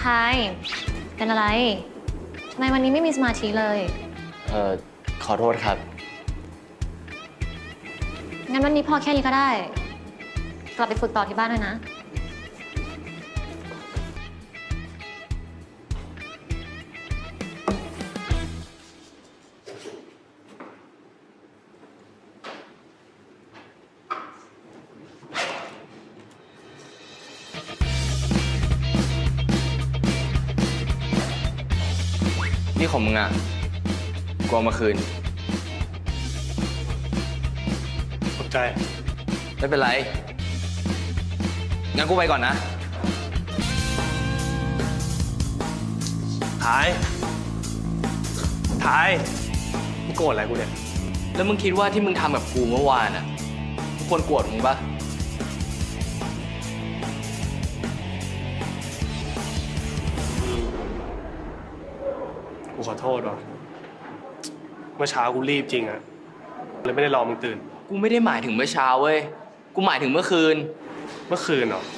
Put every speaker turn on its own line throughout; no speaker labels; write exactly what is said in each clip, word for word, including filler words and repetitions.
ไทยเป็นอะไรทำไมวันนี้ไม่มีสมาธิเลย
เอ่อขอโทษครับ
งั้นวันนี้พอแค่นี้ก็ได้กลับไปฝึกต่อที่บ้านด้วยนะ
นี่ของมึงอ่ะกูเอามาคืน
ขอบใจ
ไม่เป็นไรงั้นกูไปก่อนนะ
ท้ายท้ายมึงโกรธอะไรกูเนี่ย
แล้วมึงคิดว่าที่มึงทำกับกูเมื่อวานอ่ะทุกคนโกรธมึงปะ
กูขอโทษว่ะเมื่อเช้ากูรีบจริงอะเลยไม่ได้รอมึงตื่น
กูไม่ได้หมายถึงเมื่อเช้าเว้ยกูหมายถึงเมื่อคืน
เมื่อคืนเหรอ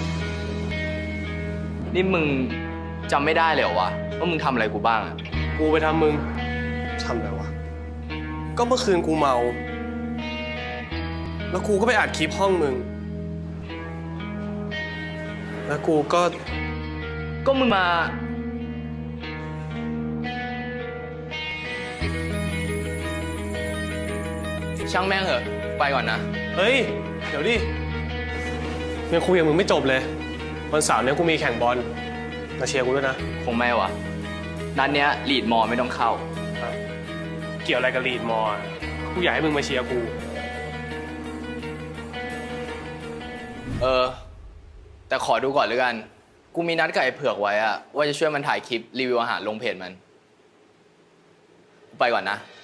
นี่มึงจำไม่ได้เลยเหรอวะว่ามึงทำอะไรกูบ้างอะ
กูไปทำมึงทำอะไรวะก็เมื่อคืนกูเมาแล้วกูก็ไปอัดคลิปห้องมึงแล้วกูก็
ก็มึงมาช่างแม่งเหอะไปก่อนนะ
เฮ้ยเดี๋ยวดิยังคุยกับมึงไม่จบเลยวันเสาร์นี้กูมีแข่งบอลมาเชียร์กูด้วยนะ
คงไม่วะนัดเนี้ยลีดมอไม่ต้องเข้า
เกี่ยวอะไรกับลีดมอกูอยากให้มึงมาเชียร์กู
เออแต่ขอดูก่อนเลยกันกูมีนัดกับไอ้เผือกไว้อะว่าจะช่วยมันถ่ายคลิปรีวิวอาหารลงเพจมันไปก่อนนะ